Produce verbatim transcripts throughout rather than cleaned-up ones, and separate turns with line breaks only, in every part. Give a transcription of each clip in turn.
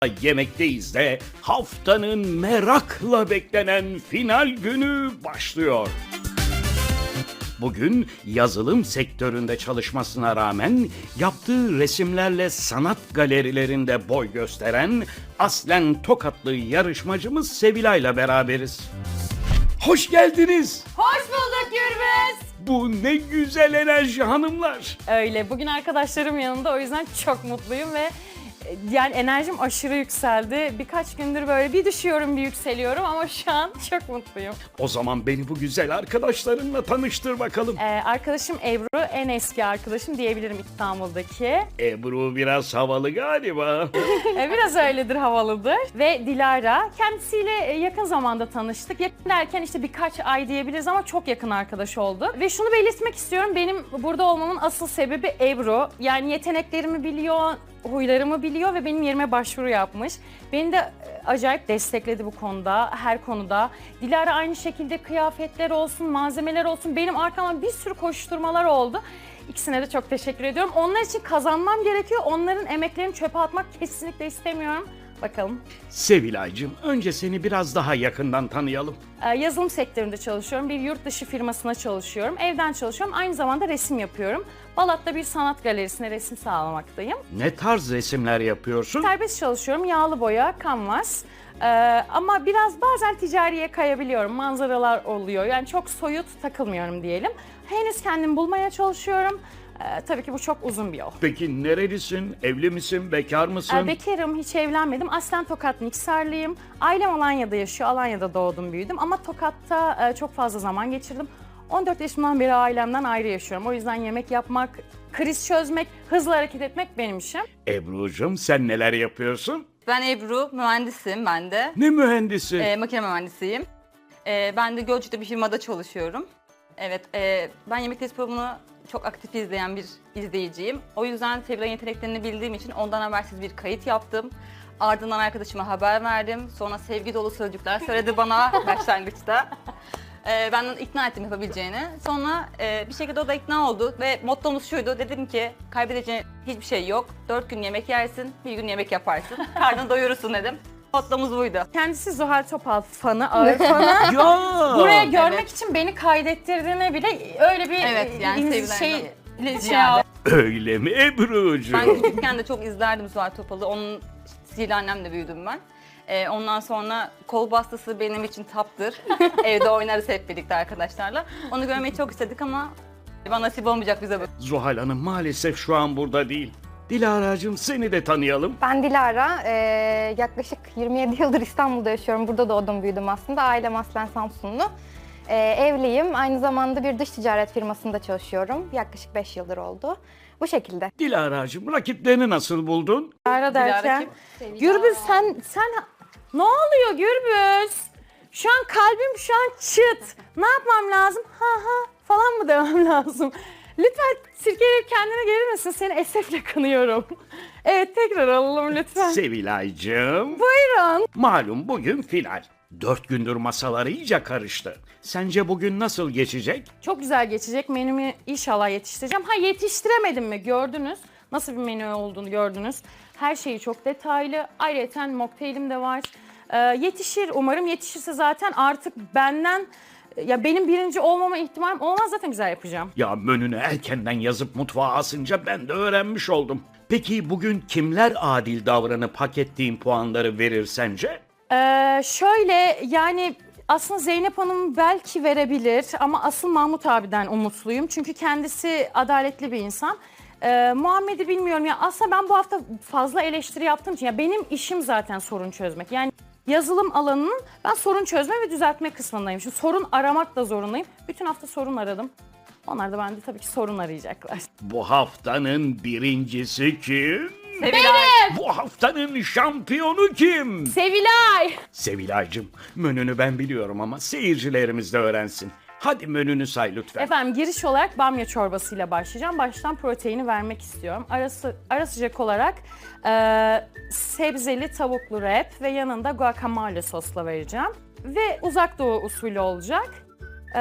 Yemekteyiz de haftanın merakla beklenen final günü başlıyor. Bugün yazılım sektöründe çalışmasına rağmen yaptığı resimlerle sanat galerilerinde boy gösteren aslen Tokatlı yarışmacımız Sevilay'la beraberiz. Hoş geldiniz.
Hoş bulduk Gürbüz.
Bu ne güzel enerji hanımlar.
Öyle. Bugün arkadaşlarım yanında, o yüzden çok mutluyum ve yani enerjim aşırı yükseldi. Birkaç gündür böyle bir düşüyorum bir yükseliyorum ama şu an çok mutluyum.
O zaman beni bu güzel arkadaşlarınla tanıştır bakalım.
Ee, arkadaşım Ebru, en eski arkadaşım diyebilirim İstanbul'daki.
Ebru biraz havalı galiba.
Ee, biraz öyledir, havalıdır. Ve Dilara, kendisiyle yakın zamanda tanıştık. Yakın derken işte birkaç ay diyebiliriz ama çok yakın arkadaş oldu. Ve şunu belirtmek istiyorum, benim burada olmamın asıl sebebi Ebru. Yani yeteneklerimi biliyor, huylarımı biliyor ve benim yerime başvuru yapmış. Beni de acayip destekledi bu konuda, her konuda. Dilara aynı şekilde, kıyafetler olsun, malzemeler olsun, benim arkamdan bir sürü koşturmalar oldu. İkisine de çok teşekkür ediyorum. Onlar için kazanmam gerekiyor. Onların emeklerini çöpe atmak kesinlikle istemiyorum. Bakalım.
Sevilay'cığım, önce seni biraz daha yakından tanıyalım.
Ee, yazılım sektöründe çalışıyorum. Bir yurt dışı firmasına çalışıyorum. Evden çalışıyorum. Aynı zamanda resim yapıyorum. Balat'ta bir sanat galerisine resim sağlamaktayım.
Ne tarz resimler yapıyorsun?
Serbest çalışıyorum. Yağlı boya, kanvas. Ee, ama biraz bazen ticariye kayabiliyorum. Manzaralar oluyor. Yani çok soyut takılmıyorum diyelim. Henüz kendimi bulmaya çalışıyorum. Ee, tabii ki bu çok uzun bir yol.
Peki nerelisin? Evli misin? Bekar mısın?
Ee, bekarım, hiç evlenmedim. Aslen Tokat Niksarlıyım. Ailem Alanya'da yaşıyor. Alanya'da doğdum, büyüdüm. Ama Tokat'ta e, çok fazla zaman geçirdim. on dört yaşımdan beri ailemden ayrı yaşıyorum. O yüzden yemek yapmak, kriz çözmek, hızlı hareket etmek benim işim.
Ebru'cum, sen neler yapıyorsun?
Ben Ebru, mühendisim ben de.
Ne mühendisi?
Ee, makine mühendisiyim. Ee, ben de Gölcük'te bir firmada çalışıyorum. Evet, e, ben Yemek Test programını çok aktif izleyen bir izleyiciyim. O yüzden Sevilay'ın yeteneklerini bildiğim için ondan habersiz bir kayıt yaptım. Ardından arkadaşıma haber verdim. Sonra sevgi dolu sözcükler söyledi bana başlangıçta. Ee, ben onu ikna ettim yapabileceğini. Sonra e, bir şekilde o da ikna oldu ve mottomuz şuydu. Dedim ki kaybedeceğin hiçbir şey yok. Dört gün yemek yersin, bir gün yemek yaparsın. Karnını doyurursun dedim. Mottomuz buydu.
Kendisi Zuhal Topal fanı, ağır fanı.
Ya!
Buraya görmek
Evet.
için beni kaydettirdiğine bile öyle bir
Evet, yani
e,
Sevilay'dan
şey, şey
ziyade.
Öyle mi Ebru'cum?
Ben küçükken de çok izlerdim Zuhal Topal'ı. Onun stiliyle annemle büyüdüm ben. Ee, ondan sonra kol bastası benim için taptır. Evde oynarız hep birlikte arkadaşlarla. Onu görmeyi çok istedik ama bana nasip olmayacak bize bu.
Zuhal Hanım maalesef şu an burada değil. Dilara'cığım, seni de tanıyalım.
Ben Dilara, ee, yaklaşık yirmi yedi yıldır İstanbul'da yaşıyorum. Burada doğdum, büyüdüm aslında. Ailem aslen Samsunlu. Ee, evliyim, aynı zamanda bir dış ticaret firmasında çalışıyorum. Yaklaşık beş yıldır oldu. Bu şekilde.
Dilara'cığım, rakiplerini nasıl buldun?
Dilara derken.
kim?
Gürbüz sen, sen... Ne oluyor Gürbüz? Şu an kalbim şu an çıt. Ne yapmam lazım? Ha ha falan mı demem lazım? Lütfen sirkeleyip kendine gelir misin? Seni esefle kınıyorum. Evet, tekrar alalım lütfen.
Sevilay'cığım.
Buyurun.
Malum bugün final. Dört gündür masalar iyice karıştı. Sence bugün nasıl geçecek?
Çok güzel geçecek. Menümü inşallah yetiştireceğim. Ha, yetiştiremedim mi? Gördünüz. Nasıl bir menü olduğunu gördünüz. Her şeyi çok detaylı. Ayrıca mokteylim de var. Ee, yetişir umarım. Yetişirse zaten artık benden, ya benim birinci olmama ihtimalim olmaz, zaten güzel yapacağım.
Ya menünü erkenden yazıp mutfağa asınca ben de öğrenmiş oldum. Peki bugün kimler adil davranıp hak ettiğin puanları verir sence?
Ee, şöyle yani aslında Zeynep Hanım belki verebilir ama asıl Mahmut abiden umutluyum. Çünkü kendisi adaletli bir insan. Ee, Muhammed'i bilmiyorum ya, aslında ben bu hafta fazla eleştiri yaptığım için, ya benim işim zaten sorun çözmek. Yani yazılım alanının ben sorun çözme ve düzeltme kısmındayım. Şimdi sorun aramak da zorundayım. Bütün hafta sorun aradım. Onlar da bende tabii ki sorun arayacaklar.
Bu haftanın birincisi kim?
Sevilay.
Bu haftanın şampiyonu kim?
Sevilay!
Sevilay'cığım, menünü ben biliyorum ama seyircilerimiz de öğrensin. Hadi menünü say lütfen.
Efendim, giriş olarak bamya çorbasıyla başlayacağım. Baştan proteini vermek istiyorum. Arası, ara sıcak olarak e, sebzeli tavuklu wrap ve yanında guacamole sosla vereceğim. Ve uzak doğu usulü olacak. E,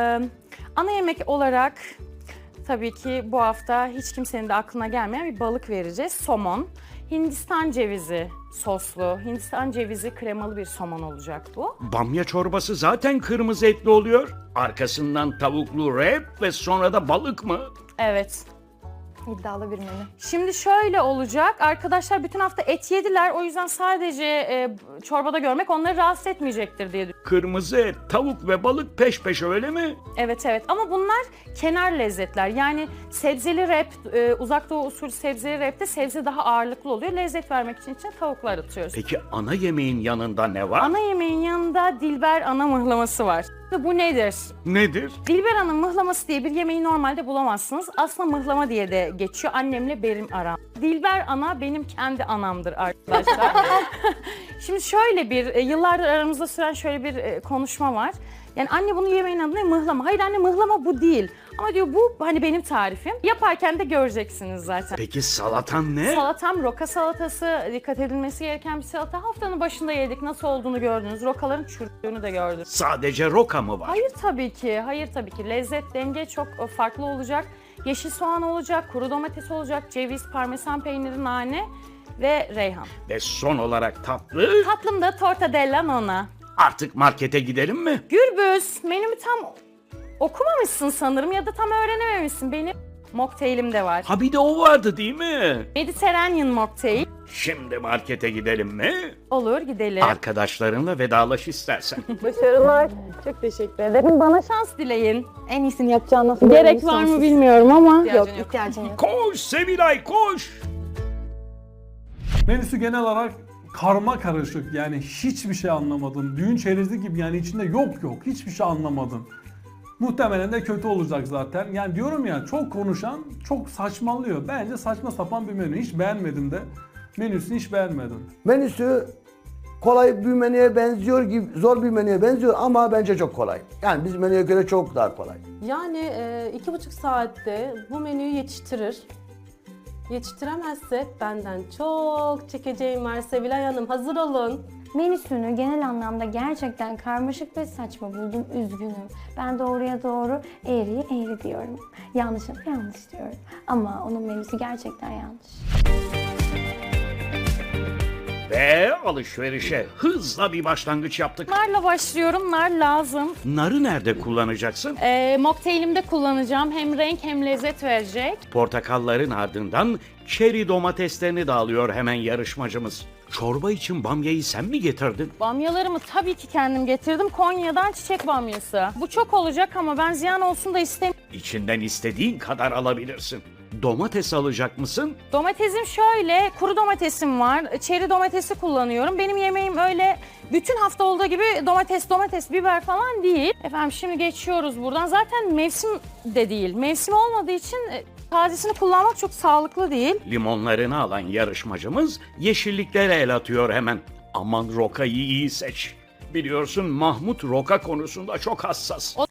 ana yemek olarak tabii ki bu hafta hiç kimsenin de aklına gelmeyen bir balık vereceğiz. Somon. Hindistan cevizi soslu, Hindistan cevizi kremalı bir somon olacak bu.
Bamya çorbası zaten kırmızı etli oluyor. Arkasından tavuklu wrap ve sonra da balık mı?
Evet.
İddialı bir menü.
Şimdi şöyle olacak. Arkadaşlar bütün hafta et yediler. O yüzden sadece e, çorbada görmek onları rahatsız etmeyecektir diye düşünüyorum.
Kırmızı et, tavuk ve balık peş peşe öyle mi?
Evet evet ama bunlar kenar lezzetler. Yani sebzeli wrap, e, uzak doğu usulü sebzeli wrap'te sebze daha ağırlıklı oluyor. Lezzet vermek için içine tavuklar atıyoruz.
Peki ana yemeğin yanında ne var?
Ana yemeğin yanında Dilber ana mıhlaması var. Bu nedir?
Nedir?
Dilber ana mıhlaması diye bir yemeği normalde bulamazsınız. Aslında mıhlama diye de geçiyor. Annemle benim aram. Dilber ana benim kendi anamdır arkadaşlar. Şimdi şöyle bir, e, yıllardır aramızda süren şöyle bir e, konuşma var. Yani anne bunu yemeğin adı ne? Mıhlama. Hayır anne mıhlama bu değil. Ama diyor bu hani benim tarifim. Yaparken de göreceksiniz zaten.
Peki salatan ne?
Salatam roka salatası, dikkat edilmesi gereken bir salata. Haftanın başında yedik, nasıl olduğunu gördünüz. Rokaların çürüdüğünü de gördünüz.
Sadece roka mı var?
Hayır tabii ki, hayır tabii ki. Lezzet, denge çok farklı olacak. Yeşil soğan olacak, kuru domates olacak, ceviz, parmesan peyniri, nane ve reyhan.
Ve son olarak tatlı.
Tatlım da tortadella nonna.
Artık markete gidelim mi?
Gürbüz, menümü tam okumamışsın sanırım ya da tam öğrenememişsin. Benim mokteylim de var.
Ha bir de o vardı değil mi?
Mediterranean mocktail.
Şimdi markete gidelim mi?
Olur gidelim.
Arkadaşlarınla vedalaş istersen.
Başarılar. Çok teşekkür ederim. Bana şans dileyin.
En iyisini yapacağını nasıl
Gerek var mı bilmiyorum ama.
İhtiyacın
Yok,
yok.
ihtiyacın yok.
Koş Sevilay koş!
Menüsü genel olarak karma karışık, yani hiçbir şey anlamadım. Düğün çerezi gibi, yani içinde yok yok hiçbir şey anlamadım. Muhtemelen de kötü olacak zaten. Yani diyorum ya, çok konuşan çok saçmalıyor. Bence saçma sapan bir menü. Hiç beğenmedim de. Menüsünü hiç beğenmedim.
Menüsü kolay bir menüye benziyor gibi, zor bir menüye benziyor ama bence çok kolay. Yani bizim menüye göre çok daha kolay.
Yani e, iki buçuk saatte bu menüyü yetiştirir. Yetiştiremezse benden çok çekeceğim var. Sevilay Hanım hazır olun.
Menüsünü genel anlamda gerçekten karmaşık ve saçma buldum. Üzgünüm. Ben doğruya doğru, eğriye eğri diyorum. Yanlışa da yanlış diyorum. Ama onun menüsü gerçekten yanlış.
Ve alışverişe hızla bir başlangıç yaptık.
Narla başlıyorum. Nar lazım.
Narı nerede kullanacaksın?
Ee, mokteylimde kullanacağım. Hem renk hem lezzet verecek.
Portakalların ardından çeri domateslerini de alıyor hemen yarışmacımız. Çorba için bamyayı sen mi getirdin?
Bamyalarımı tabii ki kendim getirdim. Konya'dan çiçek bamyası. Bu çok olacak ama ben ziyan olsun da istemiyorum.
İçinden istediğin kadar alabilirsin. Domates alacak mısın?
Domatesim şöyle, kuru domatesim var. Çeri domatesi kullanıyorum. Benim yemeğim öyle bütün hafta olduğu gibi domates, domates, biber falan değil. Efendim şimdi geçiyoruz buradan. Zaten mevsim de değil. Mevsim olmadığı için e, tazesini kullanmak çok sağlıklı değil.
Limonlarını alan yarışmacımız yeşilliklere el atıyor hemen. Aman rokayı iyi seç. Biliyorsun Mahmut roka konusunda çok hassas.
O